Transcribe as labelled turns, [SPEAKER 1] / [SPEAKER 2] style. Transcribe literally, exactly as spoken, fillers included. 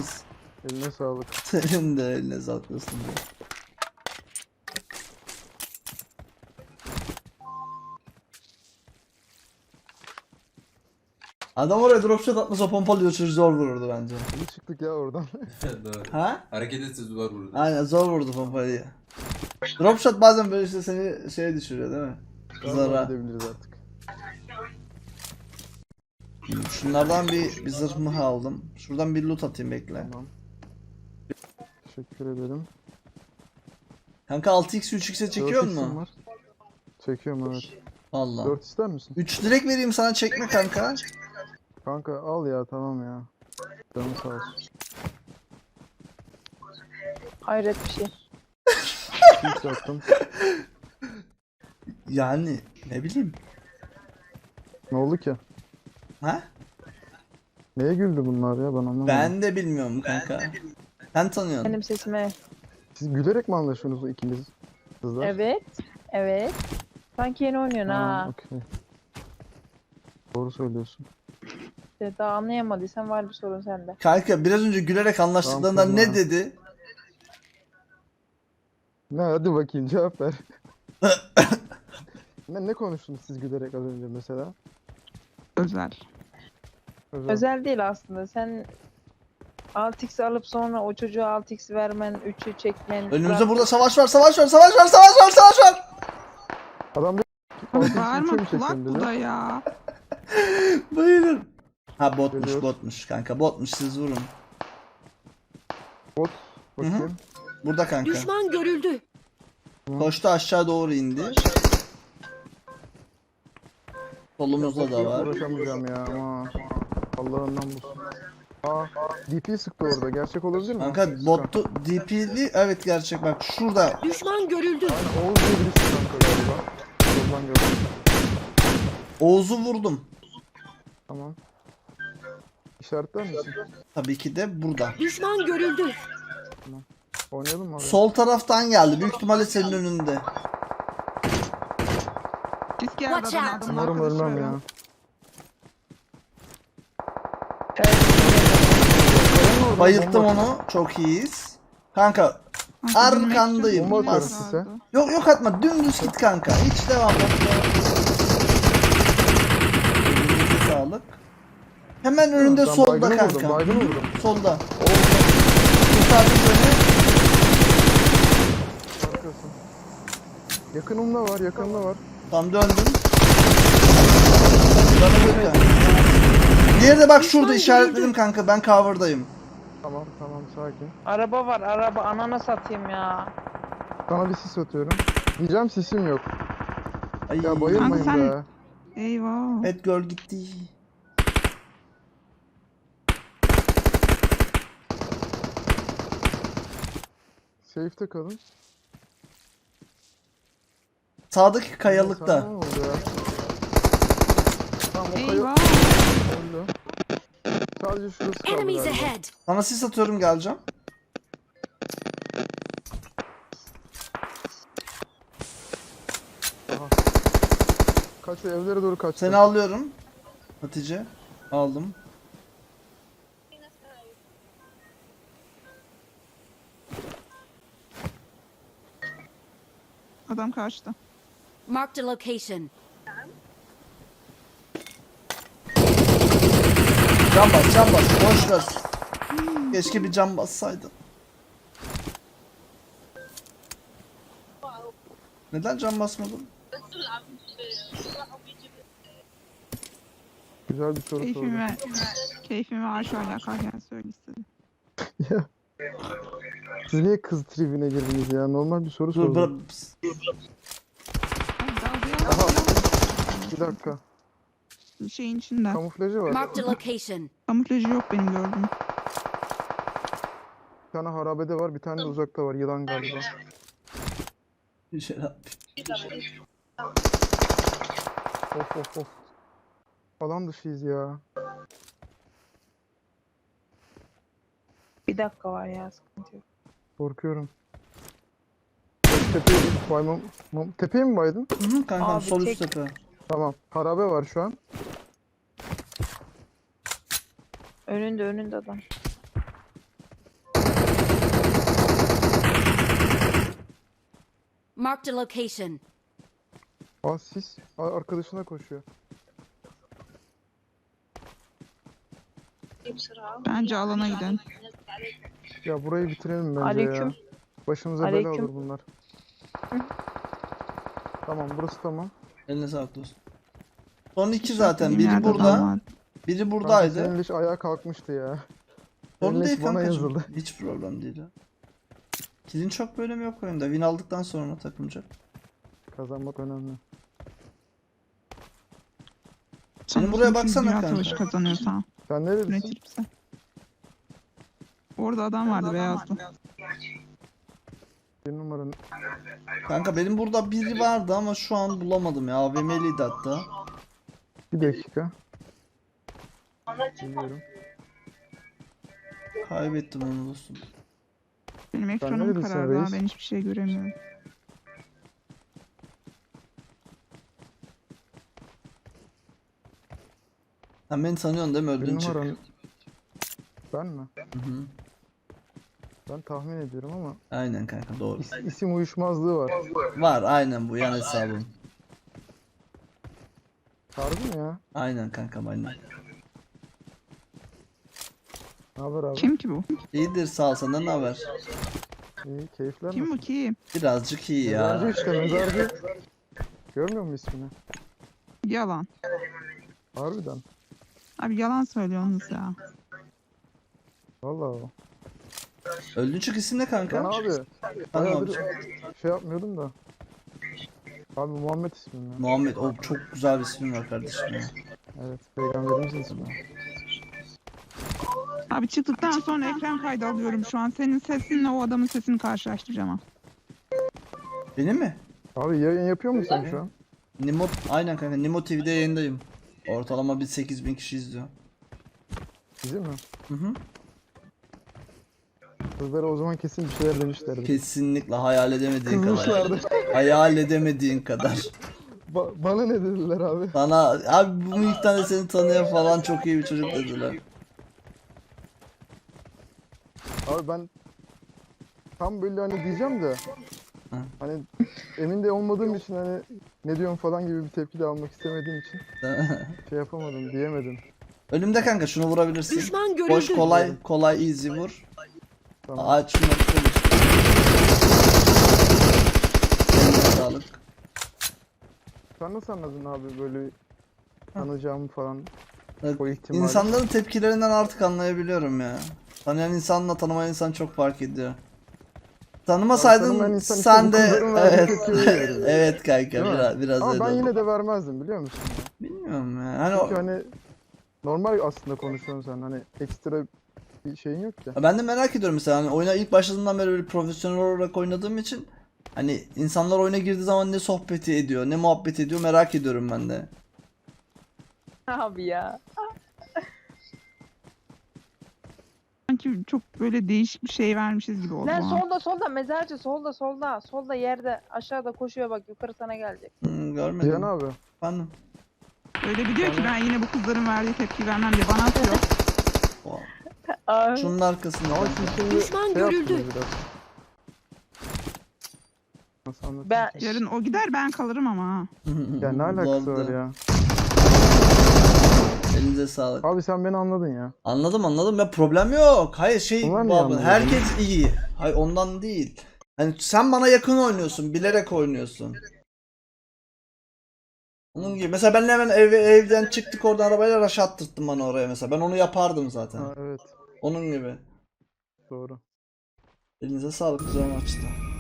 [SPEAKER 1] temiz.
[SPEAKER 2] Eline sağlık.
[SPEAKER 1] Senin de eline sağlık olsun diye. Adam oraya dropshot atmasa pompalıyor, çocuk zor vururdu bence.
[SPEAKER 2] İyi çıktık ya oradan.
[SPEAKER 3] Doğru.
[SPEAKER 1] Ha?
[SPEAKER 3] Hareket etsiz var burada.
[SPEAKER 1] Aynen, zor vurdu pompalıyı. Dropshot bazen böyle işte seni şeye düşürüyor değil mi?
[SPEAKER 2] Galiba
[SPEAKER 1] Zara.
[SPEAKER 2] gidebiliriz artık.
[SPEAKER 1] Şunlardan bir, bir zırh mıh aldım. Şuradan bir loot atayım, bekle.
[SPEAKER 2] Tamam. Teşekkür ederim.
[SPEAKER 1] Kanka altı x üç x'e çekiyor
[SPEAKER 2] dört x'im
[SPEAKER 1] mu?
[SPEAKER 2] var. Çekiyorum evet.
[SPEAKER 1] Allah.
[SPEAKER 2] dört ister misin?
[SPEAKER 1] üç direkt vereyim sana, çekme kanka.
[SPEAKER 2] Kanka al ya, tamam ya. Canım sağ olsun.
[SPEAKER 4] Hayret bir şey.
[SPEAKER 2] Hiç yaptım.
[SPEAKER 1] Yani ne bileyim.
[SPEAKER 2] Ne oldu ki?
[SPEAKER 1] Ha?
[SPEAKER 2] Neye güldü bunlar ya, ben anlamadım.
[SPEAKER 1] Ben de bilmiyorum kanka. Sen tanıyorsun.
[SPEAKER 4] Benim sesime.
[SPEAKER 2] Siz gülerek mi anlaşıyorsunuz ikiniz? Kızlar.
[SPEAKER 4] Evet. Evet. Sanki yeni oynuyorsun ha.
[SPEAKER 2] Okey. Doğru söylüyorsun.
[SPEAKER 4] İşte daha anlayamadıysan var bir sorun sende.
[SPEAKER 1] Kanka biraz önce gülerek anlaştıklarında
[SPEAKER 2] Tamam,
[SPEAKER 1] ne
[SPEAKER 2] tamam.
[SPEAKER 1] dedi?
[SPEAKER 2] Ne, hadi bakayım cevap ver. ne, ne konuştunuz siz gülerek az önce mesela?
[SPEAKER 5] Özel.
[SPEAKER 2] Özel.
[SPEAKER 4] Özel değil aslında. Sen altı x alıp sonra o çocuğa altı x vermen, üçü çekmen.
[SPEAKER 1] Önümüzde
[SPEAKER 4] zaten-
[SPEAKER 1] burada savaş var, savaş var, savaş var, savaş var, savaş var.
[SPEAKER 2] Adam bir
[SPEAKER 5] Bağırma,
[SPEAKER 2] mi
[SPEAKER 5] kulak
[SPEAKER 2] çektin
[SPEAKER 5] bu
[SPEAKER 2] dedi.
[SPEAKER 5] da ya.
[SPEAKER 1] Bayılırım. Ha botmuş,
[SPEAKER 2] Geliyor.
[SPEAKER 1] botmuş kanka, botmuş, siz vurun.
[SPEAKER 2] Bot. Bakayım.
[SPEAKER 1] Burada kanka.
[SPEAKER 6] Düşman görüldü.
[SPEAKER 1] Koştu aşağı doğru indi. Solumuzda da
[SPEAKER 2] Yok,
[SPEAKER 1] var.
[SPEAKER 2] uğraşamayacağım ya ama. Allah'ından bulsun. Aa, D P sıktı orada. Gerçek olabilir mi?
[SPEAKER 1] Kanka botu D P'li, evet gerçek, bak şurada.
[SPEAKER 6] Düşman görüldü.
[SPEAKER 2] Aynen, Oğuz diye birisi kanka galiba. Yoldan gördüm.
[SPEAKER 1] Oğuz'u vurdum.
[SPEAKER 2] Tamam. İşaretler misin?
[SPEAKER 1] Tabii ki de burada.
[SPEAKER 6] Düşman görüldü.
[SPEAKER 2] Oynayalım mı abi?
[SPEAKER 1] Sol taraftan geldi. Büyük ihtimalle senin önünde.
[SPEAKER 5] Riske
[SPEAKER 6] Watch
[SPEAKER 5] aradan
[SPEAKER 6] out.
[SPEAKER 5] adamın
[SPEAKER 2] Umarım ölmem
[SPEAKER 5] arkadaşı
[SPEAKER 2] ya.
[SPEAKER 5] arıyor.
[SPEAKER 1] Bayılttım onu. Çok iyiyiz. Kanka
[SPEAKER 5] Kanka, benim
[SPEAKER 1] arkandayım.
[SPEAKER 5] ekranım
[SPEAKER 2] Bomba
[SPEAKER 5] yine
[SPEAKER 1] Bas.
[SPEAKER 2] atıyorum
[SPEAKER 5] sardı.
[SPEAKER 1] Yok yok atma. Dümdüz git kanka. Hiç devam et. Elinize sağlık. Hemen önünde
[SPEAKER 2] Ben
[SPEAKER 1] solda
[SPEAKER 2] baygını
[SPEAKER 1] kanka.
[SPEAKER 2] vurdum, baygını vurdum.
[SPEAKER 1] Solda. Kurtardım seni.
[SPEAKER 2] Arkasın. Yakınımda var, yakınımda var.
[SPEAKER 1] Tam döndüm. Bana göre. Diğeri de bak şurada işaretledim kanka. Ben cover'dayım.
[SPEAKER 2] Tamam, tamam, sakin.
[SPEAKER 4] Araba var araba, anana satayım ya.
[SPEAKER 2] Sana bir sis atıyorum. Diyeceğim sisim yok.
[SPEAKER 1] Ay.
[SPEAKER 2] Ya bayılmayın
[SPEAKER 5] Kanka sen-
[SPEAKER 2] be.
[SPEAKER 5] Eyvah.
[SPEAKER 1] Evet, girl gitti.
[SPEAKER 2] Safe'te kalın.
[SPEAKER 1] Sağdaki kayalıkta.
[SPEAKER 2] Sana ne oldu ya? Tamam, o kayı
[SPEAKER 5] Eyvah.
[SPEAKER 2] öldü. Sadece şurası kaldı
[SPEAKER 6] Enemies
[SPEAKER 2] galiba.
[SPEAKER 6] ahead.
[SPEAKER 1] Sana sis atıyorum, geleceğim.
[SPEAKER 2] Aha. Kaç evlere doğru kaçtı.
[SPEAKER 1] Seni alıyorum. Hatice. Aldım.
[SPEAKER 5] Adam kaçtı.
[SPEAKER 6] Marked a location.
[SPEAKER 1] Can bas, can bas. Boş ver. Keşke bir can bassaydın. Neden can basmadın?
[SPEAKER 2] Güzel bir soru sordu.
[SPEAKER 5] Keyfime, keyfime aşağı oynarken söyle istedim.
[SPEAKER 2] Siz niye kız tribine girdiniz ya? Normal bir soru
[SPEAKER 1] Dur, bırak.
[SPEAKER 2] sordum.
[SPEAKER 5] Hadi dalga
[SPEAKER 2] Aha.
[SPEAKER 5] ya.
[SPEAKER 2] Bir dakika.
[SPEAKER 5] Şeyin içinde.
[SPEAKER 2] Kamuflajı var.
[SPEAKER 6] Marked a location.
[SPEAKER 5] Kamuflajı yok benim gördüğüm.
[SPEAKER 2] Bir tane harabede var, bir tane de uzakta var. Yılan galiba.
[SPEAKER 1] Bir şey yap.
[SPEAKER 2] Of of of. Alan dışıyız ya.
[SPEAKER 4] Bir dakika var ya, sıkıntı yok.
[SPEAKER 2] Korkuyorum. Tepeye git. Baymam. Mam- Tepeye mi baydın?
[SPEAKER 1] Hı hı kankam,
[SPEAKER 4] Abi,
[SPEAKER 1] sol üst
[SPEAKER 4] tek-
[SPEAKER 1] tepe.
[SPEAKER 2] Tamam. Harabe var şu an.
[SPEAKER 4] Önünde önünde adam.
[SPEAKER 6] Marked a location.
[SPEAKER 2] Aa sis. Aa, arkadaşına koşuyor.
[SPEAKER 5] Bence alana gidin.
[SPEAKER 2] Ya burayı bitirelim bence
[SPEAKER 4] Aleyküm.
[SPEAKER 2] ya. Başımıza bela
[SPEAKER 4] Aleyküm.
[SPEAKER 2] olur bunlar. Tamam burası tamam.
[SPEAKER 1] Eline sağlık dostum. Son iki
[SPEAKER 5] Bizim
[SPEAKER 1] zaten. Biri
[SPEAKER 5] yerde
[SPEAKER 1] burada.
[SPEAKER 5] adam var.
[SPEAKER 1] Biri
[SPEAKER 2] Kanka
[SPEAKER 1] buradaydı.
[SPEAKER 2] senin leş ayağa kalkmıştı ya.
[SPEAKER 1] Sorun
[SPEAKER 2] Senin
[SPEAKER 1] değil
[SPEAKER 2] leş bana
[SPEAKER 1] kankacığım.
[SPEAKER 2] yazıldı.
[SPEAKER 1] Hiç problem değil ya. Kilin çok bölümü yok oyunda. Win aldıktan sonra takımca.
[SPEAKER 2] Kazanmak önemli.
[SPEAKER 1] Senin buraya
[SPEAKER 5] Sonuçta
[SPEAKER 1] baksana
[SPEAKER 5] dünya
[SPEAKER 1] kanka.
[SPEAKER 5] savaşı kazanıyorsa.
[SPEAKER 2] Sen neredesin?
[SPEAKER 5] Üretirse. Orada adam vardı beyazlı.
[SPEAKER 2] Bir numaranın.
[SPEAKER 1] Kanka benim burada biri vardı ama şu an bulamadım ya. A V M'liydi hatta.
[SPEAKER 2] Bir dakika. Bilmiyorum.
[SPEAKER 1] Kaybettim onu dostum.
[SPEAKER 5] Benim ekranım
[SPEAKER 2] neredesin
[SPEAKER 5] karardı ha,
[SPEAKER 2] reis?
[SPEAKER 5] ben hiçbir şey göremiyorum.
[SPEAKER 1] Sen beni tanıyorsun değil mi?
[SPEAKER 2] Bir
[SPEAKER 1] Öldün çık.
[SPEAKER 2] numaranın. Ben mi?
[SPEAKER 1] Hı hı.
[SPEAKER 2] Ben tahmin ediyorum ama
[SPEAKER 1] Aynen kanka doğru.
[SPEAKER 2] is- isim uyuşmazlığı var.
[SPEAKER 1] Var aynen bu yan hesabım.
[SPEAKER 2] Harbi mi ya?
[SPEAKER 1] Aynen kankam aynen.
[SPEAKER 2] Ne haber abi?
[SPEAKER 5] Kim ki bu?
[SPEAKER 1] İyidir sağ ol, senden ne haber?
[SPEAKER 2] İyi, keyifler
[SPEAKER 5] Kim
[SPEAKER 2] nasıl?
[SPEAKER 5] bu kim?
[SPEAKER 1] Birazcık iyi
[SPEAKER 2] Mezarcı
[SPEAKER 1] ya.
[SPEAKER 2] işte mezarcı. Görmüyor musun ismini?
[SPEAKER 5] Yalan.
[SPEAKER 2] Harbiden.
[SPEAKER 5] Abi yalan söylüyorsunuz ya.
[SPEAKER 2] Vallahi.
[SPEAKER 1] Öldün çık isim ne
[SPEAKER 2] Ben
[SPEAKER 1] kanka?
[SPEAKER 2] abi
[SPEAKER 1] Tamam
[SPEAKER 2] bayağıdır
[SPEAKER 1] abi.
[SPEAKER 2] şey yapmıyordum da. Abi Muhammed ismim ya.
[SPEAKER 1] Muhammed o çok güzel bir ismin var kardeşim ya.
[SPEAKER 2] Evet, peygamberimizin ismi.
[SPEAKER 5] Abi çıktıktan sonra ekran kaydı alıyorum şu an. Senin sesinle o adamın sesini karşılaştıracağım ha.
[SPEAKER 1] Benim mi?
[SPEAKER 2] Abi yayın yapıyor musun sen şu an?
[SPEAKER 1] Nimo, aynen kanka Nimo T V'de yayındayım. Ortalama bir sekiz bin kişi izliyor.
[SPEAKER 2] Bizim mi?
[SPEAKER 1] Hı hı.
[SPEAKER 2] Kızlara o zaman kesin bir şeyler demişlerdi.
[SPEAKER 1] Kesinlikle hayal edemediğin kadar.
[SPEAKER 2] Kızmışlardı.
[SPEAKER 1] Hayal edemediğin kadar.
[SPEAKER 2] Ba- bana ne dediler abi?
[SPEAKER 1] Sana abi bu miktarda de seni tanıyor falan çok iyi bir çocuk dediler.
[SPEAKER 2] Abi ben tam böyle hani diyeceğim de
[SPEAKER 1] Hı.
[SPEAKER 2] hani emin de olmadığım için hani ne diyorsun falan gibi bir tepki de almak istemediğim için şey yapamadım, diyemedim.
[SPEAKER 1] Önümde kanka şunu vurabilirsin.
[SPEAKER 6] Düşman
[SPEAKER 1] Boş
[SPEAKER 6] görüldü.
[SPEAKER 1] kolay kolay easy vur.
[SPEAKER 2] Tamam.
[SPEAKER 1] Ağaç şunu vur. Eline sağlık.
[SPEAKER 2] Sen nasıl anladın abi böyle tanıyacağımı falan?
[SPEAKER 1] Evet,
[SPEAKER 2] O ihtimali.
[SPEAKER 1] İnsanların tepkilerinden artık anlayabiliyorum ya. Tanıyan insanla tanımayan insan çok fark ediyor. Tanımasaydın
[SPEAKER 2] tanımayan insan işte
[SPEAKER 1] sen
[SPEAKER 2] bu
[SPEAKER 1] de
[SPEAKER 2] kızların verdiği
[SPEAKER 1] evet
[SPEAKER 2] tepkiyi verir.
[SPEAKER 1] evet kanka
[SPEAKER 2] Değil mi?
[SPEAKER 1] biraz biraz
[SPEAKER 2] Ama
[SPEAKER 1] öyle
[SPEAKER 2] ben
[SPEAKER 1] oldu.
[SPEAKER 2] yine de vermezdim biliyor musun? ya?
[SPEAKER 1] Bilmiyorum ya. Hani o-
[SPEAKER 2] Çünkü hani normal aslında konuşuyorsun sen hani ekstra bir şeyin yok ki.
[SPEAKER 1] ben de merak ediyorum mesela hani oyuna ilk başladığımdan beri böyle profesyonel olarak oynadığım için hani insanlar oyuna girdiği zaman ne sohbeti ediyor, ne muhabbet ediyor merak ediyorum ben de.
[SPEAKER 4] Abi ya.
[SPEAKER 5] Sanki çok böyle değişik bir şey vermişiz gibi oldu
[SPEAKER 4] Lan
[SPEAKER 5] bana.
[SPEAKER 4] solda solda mezarcı solda solda. Solda yerde aşağıda koşuyor bak yukarı sana gelecek.
[SPEAKER 1] Hmm, görmedim.
[SPEAKER 2] Cihan abi.
[SPEAKER 1] Efendim.
[SPEAKER 5] Öyle bir diyor ki ben yine bu kızların verdiği tepki vermem diye bana atıyor.
[SPEAKER 1] Wow.
[SPEAKER 4] Abi.
[SPEAKER 1] Şunun arkasında.
[SPEAKER 2] Ama
[SPEAKER 1] kanka.
[SPEAKER 2] siz şimdi
[SPEAKER 6] Düşman
[SPEAKER 2] şey
[SPEAKER 6] görüldü.
[SPEAKER 2] yaptınız biraz. Nasıl anlatayım?
[SPEAKER 4] Ben
[SPEAKER 5] Yarın o gider ben kalırım ama ha.
[SPEAKER 2] Ya ne alakası
[SPEAKER 1] Lord'da.
[SPEAKER 2] var ya?
[SPEAKER 1] Elinize sağlık.
[SPEAKER 2] Abi sen beni anladın ya.
[SPEAKER 1] Anladım anladım ya problem yok. Hayır şey
[SPEAKER 2] Onlar niye
[SPEAKER 1] babam,
[SPEAKER 2] anlamadı?
[SPEAKER 1] herkes iyi. Hayır ondan değil. Hani sen bana yakın oynuyorsun, bilerek oynuyorsun. Onun gibi. Mesela ben hemen ev, evden çıktık oradan arabayla rush attırttın bana oraya mesela. Ben onu yapardım zaten.
[SPEAKER 2] Ha, evet
[SPEAKER 1] Onun gibi.
[SPEAKER 2] doğru.
[SPEAKER 1] Elinize sağlık güzel maçtı.